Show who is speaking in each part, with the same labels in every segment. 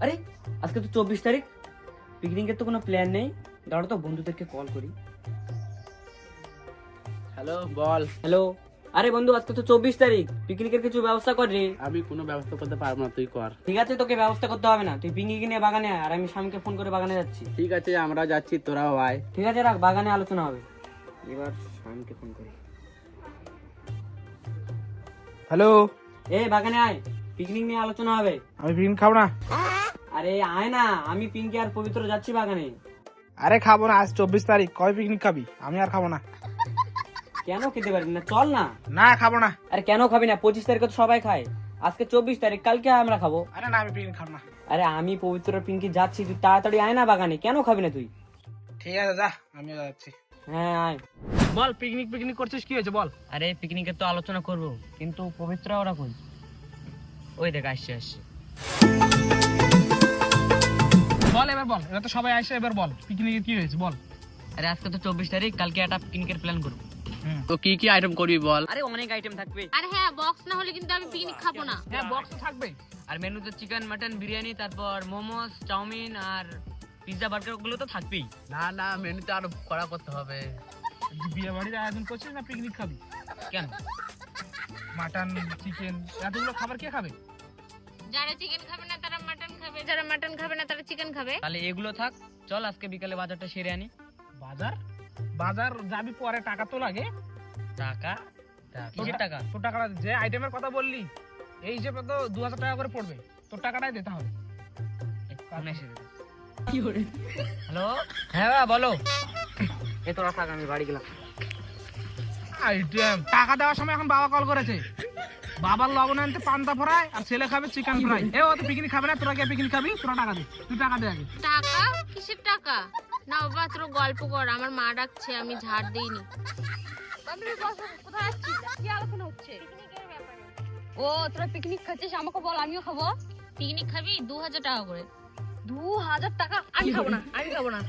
Speaker 1: আরে আজকে তো 24 তারিখ, পিকনিকের তো কোনো প্ল্যান নেই। দাঁড়াও তো বন্ধুদেরকে কল করি।
Speaker 2: হ্যালো বল।
Speaker 1: হ্যালো, আরে বন্ধু আজকে তো 24 তারিখ, পিকনিকের কিছু ব্যবস্থা কর রে।
Speaker 2: আমি কোনো ব্যবস্থা করতে পারবো না, তুই কর।
Speaker 1: ঠিক আছে, তোকে ব্যবস্থা করতে হবে না, তুই পিকনিক নিয়ে বাগানে আয়, আর আমি স্বামীকে ফোন করে বাগানে যাচ্ছি।
Speaker 2: ঠিক আছে, আমরা যাচ্ছি, তোরাও আয়।
Speaker 1: ঠিক আছে রাখ, বাগানে আলোচনা হবে। এবার স্বামীকে ফোন করি।
Speaker 3: হ্যালো,
Speaker 1: বাগানে আয়, পিকনিক নিয়ে আলোচনা হবে।
Speaker 3: আমি পিকনিক খাবো না।
Speaker 1: আরে আয় না, আমি পিঙ্কি আর পবিত্র যাচ্ছি বাগানে।
Speaker 3: আরে খাবো না, আজ 24 তারিখ, কবে পিকনিক খাবি? আমি আর খাবো না।
Speaker 1: কেন খেতে পারবি না? চল না।
Speaker 3: না খাবো না।
Speaker 1: আরে কেন খাবি না? 25 তারিখে তো সবাই খায়, আজকে 24 তারিখ, কালকে আমরা খাবো।
Speaker 3: আরে না, আমি পিকনিক খাবো না।
Speaker 1: আরে আমি পবিত্র আর পিঙ্কি যাচ্ছি, তুই তাড়াতাড়ি আয় না বাগানে। কেন খাবি না তুই?
Speaker 3: ঠিক আছে যা, আমিও যাচ্ছি।
Speaker 1: হ্যাঁ আয়।
Speaker 3: বল, পিকনিক পিকনিক করছিস, কি হয়েছে বল?
Speaker 1: আরে পিকনিকের তো আলোচনা করব, কিন্তু পবিত্র ওরা কই? ওই দেখ আসছে আসছে।
Speaker 3: বল এবার বল, এবার তো সবাই আসে, এবার বল পিকনিকে কি হয়েছে বল।
Speaker 1: আরে আজকে তো 24 তারিখ, কালকে একটা পিকনিকের প্ল্যান করবো।
Speaker 2: তো কি কি আইটেম করবি বল।
Speaker 1: আরে অনেক আইটেম থাকবে।
Speaker 4: আরে হ্যাঁ, বক্স না হলে কিন্তু আমি পিকনিক খাবো না।
Speaker 3: হ্যাঁ বক্স থাকবে।
Speaker 1: আর মেনুতে চিকেন, মাটন, বিরিয়ানি, তারপর মোমোস, চাউমিন আর পিৎজা, বার্গার গুলো তো থাকবেই।
Speaker 2: না না, মেনুতে আরো কড়া করতে হবে।
Speaker 3: বিয়ে বাড়ির আয়োজন করছিস না পিকনিক খাবি?
Speaker 1: কেন?
Speaker 3: মাটন, চিকেন, এতগুলো খাবার কে খাবে?
Speaker 4: যারা চিকেন খাবে না তারা মাটন খাবে, যারা মাটন খাবে না তারা চিকেন খাবে।
Speaker 1: তাহলে এগুলো থাক, চল আজকে বিকালে বাজারটা সেরে আনি।
Speaker 3: বাজার বাজার যাবি পরে, টাকা তো লাগে।
Speaker 1: টাকা? কিসের টাকা?
Speaker 3: তোর টাকাটা যে আইটেমের কথা বললি এই হিসেবে তো 2000 টাকা করে পড়বে, তোর টাকাটাই দিতে হবে।
Speaker 1: হ্যালো, হ্যাঁ বাবা, বলো। এ তোরা থাক, আমি বাড়ি গেলাম।
Speaker 3: আইটেম টাকা দেওয়ার সময় এখন বাবা কল করেছে, বাবার লবণ আনতে পান্তা ফ্রাই আর ছেলে খাবে চিকেন ফ্রাই। ও তো পিকনিক খাবে না, তোরা কে পিকনিক খাবি? তোরা টাকা দে, তুই টাকা দে আগে।
Speaker 4: টাকা? কিসের টাকা? না বাবা, তোর গল্প কর, আমার মা ডাকছে, আমি ঝাড় দেইনি। কোথায় আসছিস? কি আলোচনা হচ্ছে? পিকনিকের ব্যাপারে। ও তোরা পিকনিক খাচ্ছিস, আমাকে বল, আমিও খাবো। পিকনিক খাবি? 2000 টাকা করে। 2000 টাকা? আমি খাবো না, আমি খাবো না।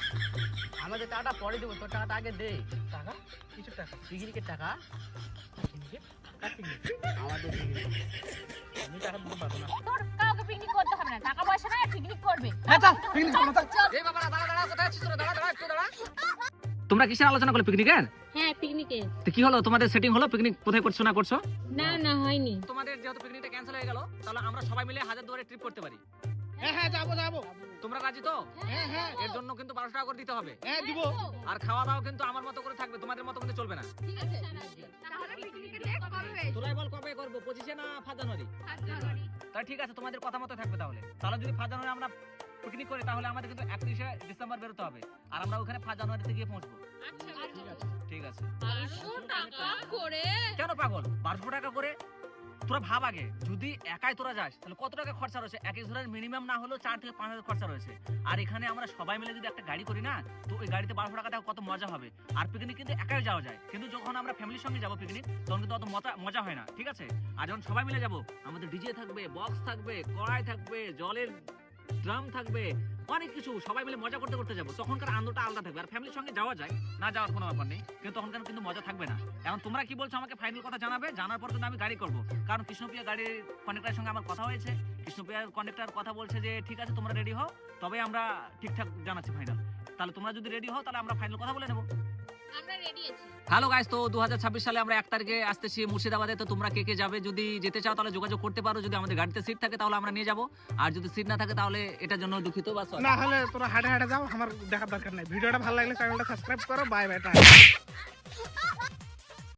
Speaker 2: আমাদের টাকাটা পরে দেবো, তোর টাকাটা আগে দে।
Speaker 3: টাকা? কিসের টাকা?
Speaker 2: পিকনিকের টাকা।
Speaker 3: পিকনিকের? কার পিকনিক?
Speaker 2: আমাদের পিকনিক।
Speaker 3: আমি টাকা দিতে পারবো না।
Speaker 4: তোর কাউকে পিকনিক করতে হবে না, টাকা পয়সা নাই, পিকনিক করবে।
Speaker 3: হ্যাঁ চল, পিকনিক করবো, চল।
Speaker 2: এই বাবা, দাঁড়া দাঁড়া, কোথায় আছিস তোরা? দাঁড়া দাঁড়া, একটু দাঁড়া।
Speaker 1: তোমরা কিসের আলোচনা করলে পিকনিকের?
Speaker 4: হ্যাঁ পিকনিকে।
Speaker 1: তো কি হলো, তোমাদের সেটিং হলো? পিকনিক কোথায় করছো না করছো?
Speaker 4: না না, হয়নি।
Speaker 1: তোমাদের যেহেতু পিকনিকটা ক্যান্সেল হয়ে গেল, তাহলে আমরা সবাই মিলে হাজারদুয়ারে ট্রিপ করতে পারি।
Speaker 3: হ্যাঁ হ্যাঁ, যাবো যাবো।
Speaker 1: তোমরা রাজি তো?
Speaker 3: হ্যাঁ হ্যাঁ
Speaker 1: এর জন্য কিন্তু 1200 টাকা করে দিতে হবে।
Speaker 3: হ্যাঁ দিব।
Speaker 1: আর খাওয়া দাওয়া কিন্তু আমার মতো করে থাকবে, তোমাদের মতো কিন্তু চলবে না।
Speaker 4: ঠিক আছে, তাহলে পিকনিকের ডেট কবে?
Speaker 1: তোরাই বল কবে করবো, 25-এ না 5 জানুয়ারি? তাহলে ঠিক আছে, তোমাদের কথা মতো থাকবে। তাহলে তাহলে যদি 5 জানুয়ারি আমরা পিকনিক করি, তাহলে আমাদের কিন্তু 31শে ডিসেম্বর বেরোতে হবে, আর আমরা ওখানে 5 জানুয়ারিতে গিয়ে পৌঁছবো।
Speaker 4: আচ্ছা
Speaker 1: ঠিক আছে।
Speaker 4: 500 টাকা করে?
Speaker 1: কেন পাগল, 1200 টাকা করে? তোরা ভাব আগে, যদি একাই তোরা যাস তাহলে কত টাকা খরচা রয়েছে। এক একজনের মিনিমাম না হলেও 4 থেকে 5 হাজার খরচা রয়েছে। আর এখানে আমরা সবাই মিলে যদি একটা গাড়ি করি না, তো ওই গাড়িতে 1200 টাকা কত মজা হবে। আর পিকনিক কিন্তু একাই যাওয়া যায়, কিন্তু যখন আমরা ফ্যামিলির সঙ্গে যাবো পিকনিক, তখন কিন্তু অত মজা হয় না। ঠিক আছে? আর যখন সবাই মিলে যাবো, আমাদের ডিজে থাকবে, বক্স থাকবে, কড়াই থাকবে, জলের ড্রাম থাকবে, অনেক কিছু, সবাই মিলে মজা করতে করতে যাবো, তখনকার আনন্দটা আলাদা থাকবে। আর ফ্যামিলির সঙ্গে যাওয়া যায়, না যাওয়ার কোনো ব্যাপার নেই, কিন্তু তখনকার কিন্তু মজা থাকবে না। এখন তোমরা কি বলছো আমাকে ফাইনাল কথা জানাবে, জানার পর কিন্তু আমি গাড়ি করবো। কারণ কৃষ্ণপ্রিয়া গাড়ির কন্ডাক্টরের সঙ্গে আমার কথা হয়েছে, কৃষ্ণপ্রিয়ার কন্ডাক্টর কথা বলছে যে ঠিক আছে তোমরা রেডি হও, তবে আমরা ঠিকঠাক জানাচ্ছি ফাইনাল। তাহলে তোমরা যদি রেডি হও, তাহলে আমরা ফাইনাল কথা বলে নেবো।
Speaker 4: আমরা রেডি আছি।
Speaker 1: হ্যালো গাইস, তো 2026 সালে আমরা 1 তারিখে আসতেছি মুর্শিদাবাদে। তো তোমরা কে কে যাবে, যদি যেতে চাও তাহলে যোগাযোগ করতে পারো। যদি আমাদের গাড়িতে সিট থাকে তাহলে আমরা নিয়ে যাবো, আর যদি সিট না থাকে তাহলে এটার জন্য দুঃখিত। বাস
Speaker 3: না হলে তোরা হাঁটে হাঁটে যাও, আমার দেখার দরকার নাই। ভিডিওটা ভালো লাগলে চ্যানেলটা সাবস্ক্রাইব করো। Bye by.